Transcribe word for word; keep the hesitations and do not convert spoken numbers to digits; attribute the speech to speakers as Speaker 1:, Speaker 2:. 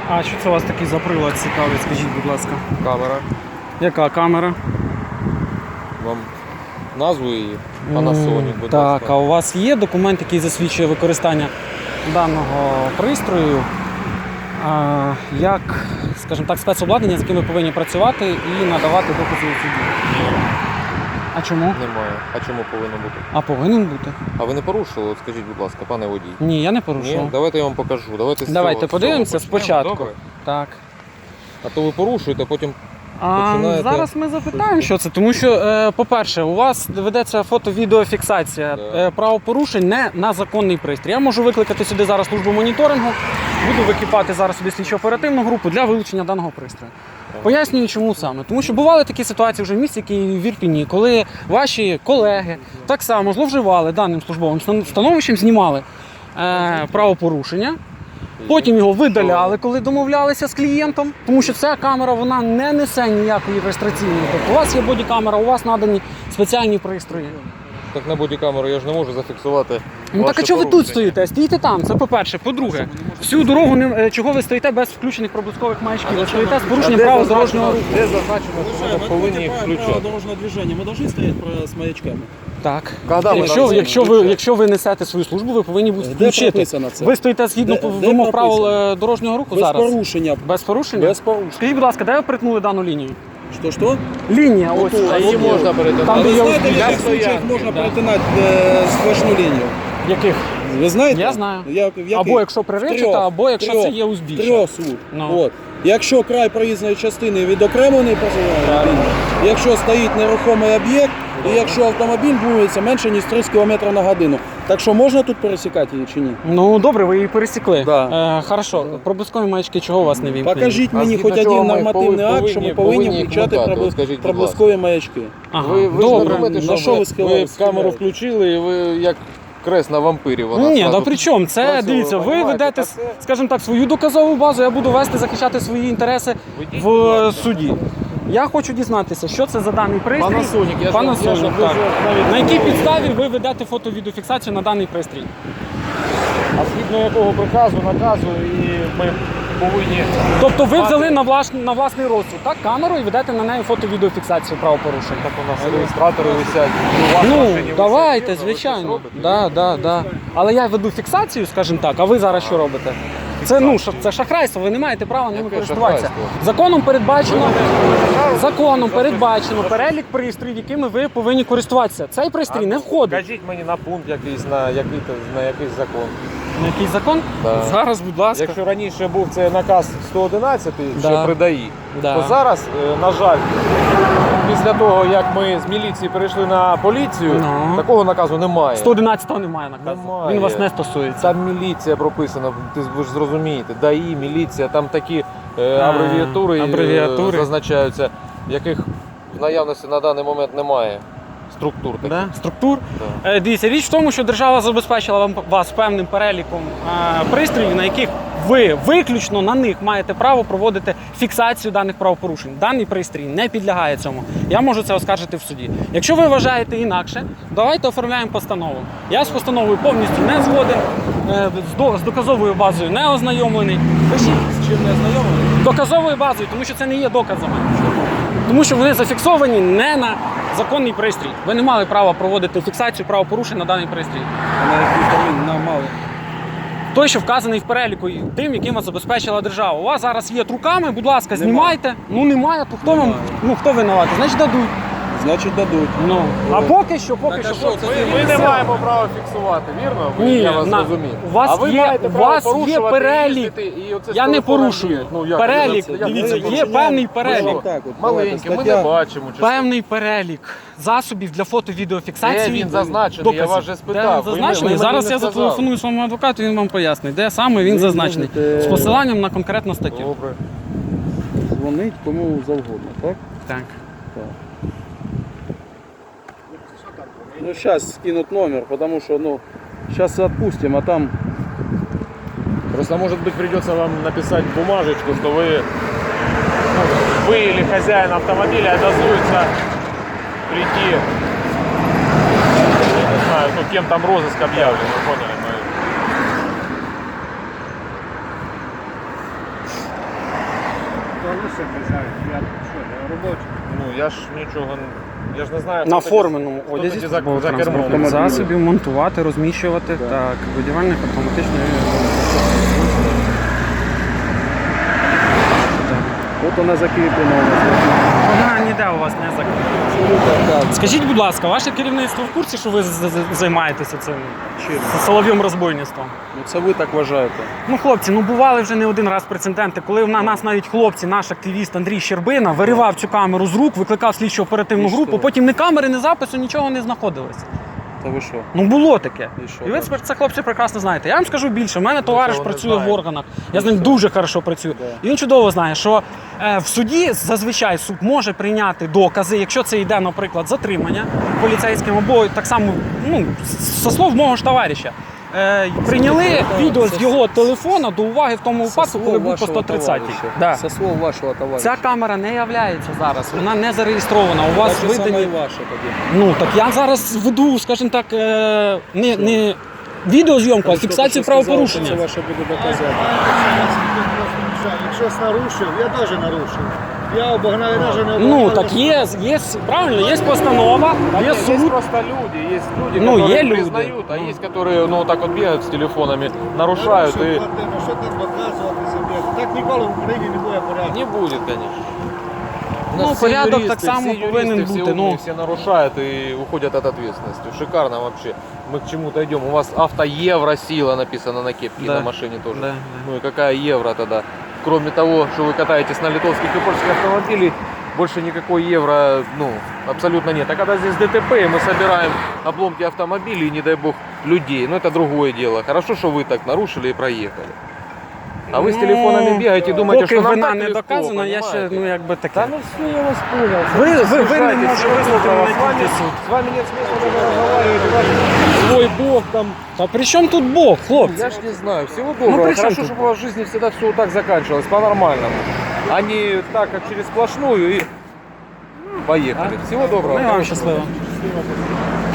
Speaker 1: А що це у вас такий за прилад цікавий, скажіть, будь ласка?
Speaker 2: Камера.
Speaker 1: Яка камера?
Speaker 2: Вам назву її? Panasonic, будь
Speaker 1: Так,
Speaker 2: ласка.
Speaker 1: а у вас є документ, який засвідчує використання даного пристрою а, як, скажімо так, спецобладнання, з яким ви повинні працювати і надавати докази у суді? А чому?
Speaker 2: Немає. А чому повинно бути?
Speaker 1: А повинен бути.
Speaker 2: А ви не порушили? От скажіть, будь ласка, пане водій.
Speaker 1: Ні, я не
Speaker 2: Ні?
Speaker 1: порушував.
Speaker 2: Давайте я вам покажу. Давайте, з
Speaker 1: Давайте
Speaker 2: цього- з
Speaker 1: подивимося
Speaker 2: цього почнемо,
Speaker 1: спочатку.
Speaker 2: добре?
Speaker 1: Так.
Speaker 2: А то ви порушуєте, потім
Speaker 1: А
Speaker 2: починаєте-
Speaker 1: зараз ми запитаємо, що це. Тому що, е, по-перше, у вас ведеться фото-відеофіксація
Speaker 2: Да.
Speaker 1: е, правопорушень не на законний пристрій. Я можу викликати сюди зараз службу моніторингу, буду викликати зараз сюди слідчо-оперативну групу для вилучення даного пристрою. Пояснюю, чому саме. Тому що бували такі ситуації вже в місті Києві, в Ірпіні, коли ваші колеги так само зловживали даним службовим становищем, знімали е, правопорушення. Потім його видаляли, коли домовлялися з клієнтом, тому що ця камера вона не несе ніякої реєстраційної. Тобто у вас є бодікамера, у вас надані спеціальні пристрої.
Speaker 2: так на бодікамеру я ж не можу зафіксувати.
Speaker 1: Ну так а чого ви тут стоїте? Стійте там, це по-перше. По-друге, всю дорогу не е, чого ви стоїте без включених проблискових маячків? Ви стоїте з порушенням правил дорожнього руху.
Speaker 2: Де зазначено, що ми повинні їх
Speaker 3: Правила
Speaker 2: включати?
Speaker 3: дорожного движения. Мы должны стоять про- с маячками.
Speaker 1: Так.
Speaker 2: Когда ми
Speaker 1: Якщо,
Speaker 2: там
Speaker 1: якщо, ви,
Speaker 2: включаємо?
Speaker 1: якщо ви несете свою службу, ви повинні будете
Speaker 3: Де
Speaker 1: включити.
Speaker 3: прописано це?
Speaker 1: Ви стоїте згідно
Speaker 3: Де- де
Speaker 1: вимог правил
Speaker 3: прописано?
Speaker 1: е, дорожнього руху
Speaker 3: Без
Speaker 1: зараз?
Speaker 3: порушення.
Speaker 1: Без порушення?
Speaker 3: Без порушення.
Speaker 1: Скажіть, будь ласка, де ви перетнули дану лінію?
Speaker 3: Що, що?
Speaker 1: Лінія, ось.
Speaker 3: тут,
Speaker 2: А її
Speaker 3: Там
Speaker 2: можна
Speaker 3: А
Speaker 2: перетинати.
Speaker 1: де
Speaker 3: ви
Speaker 1: я
Speaker 3: знаєте, в
Speaker 1: узбіч.
Speaker 3: яких случаях можна перетинати е, сплошну лінію?
Speaker 1: Яких?
Speaker 3: Ви знаєте?
Speaker 1: Я знаю.
Speaker 3: Я- в яких?
Speaker 1: Або якщо приречета,
Speaker 3: Трьох.
Speaker 1: або якщо
Speaker 3: Трьох.
Speaker 1: це є узбіччя.
Speaker 3: Трьох смуг.
Speaker 1: Ну.
Speaker 3: От. Якщо край проїзної частини відокремлений позиває, якщо стоїть нерухомий об'єкт, і якщо автомобіль рухається менше, ніж тридцять кілометрів на годину. Так що можна тут пересікати її чи ні?
Speaker 1: Ну добре, ви її пересікли.
Speaker 3: Да.
Speaker 1: Е, хорошо. Проблискові маячки чого у вас не вімкнені?
Speaker 3: Покажіть
Speaker 2: А
Speaker 3: мені
Speaker 2: згідно
Speaker 3: хоч
Speaker 2: чого
Speaker 3: один
Speaker 2: ми
Speaker 3: нормативний
Speaker 2: повинні-
Speaker 3: акт, що ми
Speaker 2: повинні
Speaker 3: повинні
Speaker 2: їх
Speaker 3: включати
Speaker 2: вмикати?
Speaker 3: проблис-
Speaker 2: От скажіть, будь
Speaker 3: проблискові маячки.
Speaker 1: Ага.
Speaker 2: Ви, ви ж
Speaker 1: добре.
Speaker 2: не думаєте, що
Speaker 3: На що
Speaker 2: ви,
Speaker 3: ви
Speaker 2: ви
Speaker 3: схилились?
Speaker 2: камеру включили і ви як крест на вампирі. Вона
Speaker 1: Ні,
Speaker 2: зразу
Speaker 1: да при чому? Це,
Speaker 2: працює,
Speaker 1: дивіться, ви
Speaker 2: понімаєте?
Speaker 1: ведете,
Speaker 2: Та це-
Speaker 1: скажімо так, свою доказову базу, я буду вести, захищати свої інтереси
Speaker 2: Ведіть,
Speaker 1: в
Speaker 2: будь ласка.
Speaker 1: суді. Я хочу дізнатися, що це за даний пристрій.
Speaker 2: Panasonic, я ж вам- я ж
Speaker 1: Panasonic,
Speaker 2: вам
Speaker 1: так.
Speaker 2: дуже навіть
Speaker 1: На якій
Speaker 2: говорю.
Speaker 1: підставі ви ведете фото-відеофіксацію на даний пристрій?
Speaker 2: А згідно якого приказу, наказу, і ми повинні...
Speaker 1: Тобто ви взяли на, влаш... на власний розсуд, так, камеру і ведете на неї фото-відеофіксацію правопорушень.
Speaker 2: Так у нас реєстратори висять. і у вас в
Speaker 1: Ну,
Speaker 2: машині
Speaker 1: давайте,
Speaker 2: висять, ви щось
Speaker 1: звичайно.
Speaker 2: робите?
Speaker 1: Да, да, да. Але я веду фіксацію, скажімо так, а ви зараз що робите? Це, ну, ша- це шахрайство, ви не маєте права ними
Speaker 2: Яке
Speaker 1: користуватися.
Speaker 2: шахрайство?
Speaker 1: Законом передбачено, законом передбачено перелік пристроїв, якими ви повинні користуватися. Цей пристрій не входить.
Speaker 2: Скажіть мені на пункт якийсь, на який, на якийсь закон.
Speaker 1: На який закон?
Speaker 2: Да.
Speaker 1: Зараз, будь ласка.
Speaker 2: Якщо раніше був це наказ сто одинадцять,
Speaker 1: Да.
Speaker 2: що при ДАІ,
Speaker 1: Да.
Speaker 2: то зараз, е, на жаль, після того, як ми з міліції перейшли на поліцію,
Speaker 1: Ну.
Speaker 2: такого наказу немає.
Speaker 1: сто одинадцятого немає наказу.
Speaker 2: Немає.
Speaker 1: Він вас не стосується.
Speaker 2: Там міліція прописана, ти ж- ви ж зрозумієте, ДАІ, міліція, там такі е,
Speaker 1: А,
Speaker 2: абревіатури, е,
Speaker 1: абревіатури.
Speaker 2: зазначаються, яких в наявності на даний момент немає структур таких.
Speaker 1: Да? Структур.
Speaker 2: Да.
Speaker 1: Е, Дивіться, річ в тому, що держава забезпечила вам вас певним переліком е, пристроїв, на яких ви виключно на них маєте право проводити фіксацію даних правопорушень. Даний пристрій не підлягає цьому. Я можу це оскаржити в суді. Якщо ви вважаєте інакше, давайте оформляємо постанову. Я з постановою повністю не згоден, е, з, до, з доказовою базою не ознайомлений. Пишіть.
Speaker 3: З чим не знайомий?
Speaker 1: Доказовою базою, тому що це не є доказами. Тому що вони зафіксовані не на законний пристрій. Ви не мали права проводити фіксацію правопорушень на даний пристрій.
Speaker 3: А на який повинен нам мали?
Speaker 1: Той, що вказаний в переліку, і тим, яким вас забезпечила держава. У вас зараз є труками, будь ласка, знімайте. Ну немає, то хто вам,
Speaker 3: Немає.
Speaker 1: ну хто винуватий? Значить дадуть.
Speaker 3: Значить дадуть.
Speaker 1: Ну а поки що, поки
Speaker 3: Так, а
Speaker 1: що.
Speaker 3: що, це
Speaker 2: Ми,
Speaker 3: ж
Speaker 2: ми не
Speaker 3: все.
Speaker 2: маємо права фіксувати, вірно? Ви-
Speaker 1: Ні,
Speaker 2: я вас
Speaker 1: на-
Speaker 2: зрозумів.
Speaker 1: у вас
Speaker 2: а ви
Speaker 1: є-
Speaker 2: маєте
Speaker 1: у
Speaker 2: право
Speaker 1: вас є
Speaker 2: порушувати,
Speaker 1: перелік.
Speaker 2: їздити, і оце
Speaker 1: Я
Speaker 2: з
Speaker 1: не
Speaker 2: телефоном
Speaker 1: порушую.
Speaker 2: бігати. Ну, як
Speaker 1: Перелік,
Speaker 2: це? Як
Speaker 1: дивіться,
Speaker 2: це
Speaker 1: є
Speaker 2: порушення?
Speaker 1: певний
Speaker 2: Ви
Speaker 1: перелік.
Speaker 2: що,
Speaker 3: Так, от,
Speaker 2: маленький, ми
Speaker 3: стаття-
Speaker 2: не бачимо. чи
Speaker 1: Певний перелік засобів для
Speaker 2: що?
Speaker 1: фото-відеофіксації.
Speaker 2: Де він зазначений?
Speaker 1: доказів.
Speaker 2: Я вас вже
Speaker 1: Де
Speaker 2: спитав.
Speaker 1: він
Speaker 2: Ви
Speaker 1: зазначений?
Speaker 2: мені- ви
Speaker 1: Зараз
Speaker 2: мені
Speaker 1: я
Speaker 2: не сказали.
Speaker 1: зателефоную своєму адвокату, він вам пояснить, де саме він
Speaker 3: Ви
Speaker 1: зазначений.
Speaker 3: можете-
Speaker 1: З посиланням на конкретну статтю.
Speaker 2: Добре.
Speaker 3: Дзвонить кому завгодно, так?
Speaker 1: Так.
Speaker 3: Так. Ну, сейчас скинут номер, потому что, ну, сейчас отпустим, а там...
Speaker 2: Просто, может быть, придется вам написать бумажечку, что вы, ну, вы или хозяин автомобиля обязуется прийти, я не знаю, ну, кем там розыск объявлен, вы поняли? Мы...
Speaker 4: залишив хазяїн, я що, я робочий.
Speaker 2: Ну я ж нічого, не- я ж не знаю.
Speaker 1: На
Speaker 2: хто тоді-
Speaker 1: форменому
Speaker 2: хто
Speaker 1: одязі
Speaker 2: тоді за,
Speaker 1: службового
Speaker 2: за кермом.
Speaker 1: транспортних засобів монтувати, розміщувати так, будівельних автоматичної.
Speaker 3: От вона закріплена у нас.
Speaker 1: Вона ніде у вас не закрита. Скажіть, будь ласка, ваше керівництво в курсі, що ви з- з- займаєтеся цим солов'єм розбойництвом?
Speaker 3: Ну це ви так вважаєте.
Speaker 1: Ну, хлопці, ну бували вже не один раз прецеденти, коли на нас навіть хлопці, наш активіст Андрій Щербина, виривав цю камеру з рук, викликав слідчо оперативну
Speaker 3: І
Speaker 1: групу,
Speaker 3: що?
Speaker 1: потім ні камери, ні запису, нічого не знаходилось.
Speaker 3: Та ви що?
Speaker 1: Ну було таке.
Speaker 3: І що
Speaker 1: І ви
Speaker 3: далі?
Speaker 1: це, хлопці, прекрасно знаєте. Я вам скажу більше. У мене товариш
Speaker 2: цього не
Speaker 1: працює в
Speaker 2: знаєте.
Speaker 1: органах. Я з ним дуже хорошо працюю.
Speaker 3: Да.
Speaker 1: І він чудово знає, що е, в суді зазвичай суд може прийняти докази, якщо це йде, наприклад, затримання поліцейським, або так само, ну, со слов мого ж товариша. Е, прийняли
Speaker 3: Це-
Speaker 1: відео з
Speaker 3: це-
Speaker 1: його телефона до уваги в тому
Speaker 3: Со
Speaker 1: випадку,
Speaker 3: слов
Speaker 1: коли був по
Speaker 3: вашого
Speaker 1: сто тридцятій.
Speaker 3: товариша.
Speaker 1: Да.
Speaker 3: Со слов вашого товариша.
Speaker 1: Ця камера не являється зараз, вона не зареєстрована. У вас
Speaker 3: Так же саме
Speaker 1: видані.
Speaker 3: і ваша тоді.
Speaker 1: Ну так я зараз веду, скажімо так, е, не, не відеозйомку, а
Speaker 3: Що
Speaker 1: фіксацію
Speaker 3: ти сказав, що
Speaker 1: правопорушення.
Speaker 3: Це ваше буде доказати.
Speaker 4: Якщо нарушив, я теж нарушив. Я обогнав, я навіть не обогнав.
Speaker 1: Ну так є, є правильно, є постанова, є
Speaker 2: Есть
Speaker 1: суд.
Speaker 2: просто люди, есть люди,
Speaker 1: Ну,
Speaker 2: которые
Speaker 1: е люди.
Speaker 2: признают, а есть, которые, ну, так вот бегают с телефонами, нарушают,
Speaker 4: Нарушив,
Speaker 2: и
Speaker 4: Вадиме, що так доказувати собі? Так ніколи в Україні не буде порядку.
Speaker 2: не будет, конечно. У
Speaker 1: Ну,
Speaker 2: нас все
Speaker 1: порядок
Speaker 2: юристы,
Speaker 1: так само
Speaker 2: все
Speaker 1: повинен
Speaker 2: юристы, все
Speaker 1: бути, ну.
Speaker 2: умные, все нарушают и уходят от ответственности. Шикарно вообще. Мы к чему-то идем. У вас автоевросила написано на кепке,
Speaker 1: Да.
Speaker 2: на машине тоже.
Speaker 1: Да, да.
Speaker 2: Ну и какая евро тогда? Кроме того, что вы катаетесь на литовских и польских автомобилях, больше никакой евро, ну, абсолютно нет. А когда здесь ДТП, и мы собираем обломки автомобилей, не дай бог, людей, ну это другое дело. Хорошо, что вы так нарушили и проехали. А вы с
Speaker 1: Ну,
Speaker 2: телефонами бегаете и думаете,
Speaker 1: поки
Speaker 2: что нам
Speaker 1: вина
Speaker 2: так
Speaker 1: не
Speaker 2: легко,
Speaker 1: доказана, я ще,
Speaker 2: понимаете?
Speaker 1: ну якби
Speaker 2: Да
Speaker 1: таке.
Speaker 2: ну все, я вас понял.
Speaker 1: Ви, ви, ви не
Speaker 2: Слушайте,
Speaker 1: можете
Speaker 2: всего
Speaker 1: визнати
Speaker 2: доброго.
Speaker 1: мене
Speaker 2: С вами,
Speaker 1: тільки суд.
Speaker 2: с вами нет смысла даже разговаривать. У вас свой бог там.
Speaker 1: Та при чому тут Бог, хлопці?
Speaker 2: Я ж не знаю. Всего доброго.
Speaker 1: при чем
Speaker 2: Хорошо,
Speaker 1: тут
Speaker 2: чтобы у вас в жизни всегда все вот так заканчивалось, по-нормальному. А не так, как через сплошную и поехали. Всего доброго.
Speaker 1: Ну, і вам
Speaker 2: Хорошего.
Speaker 1: щасливо.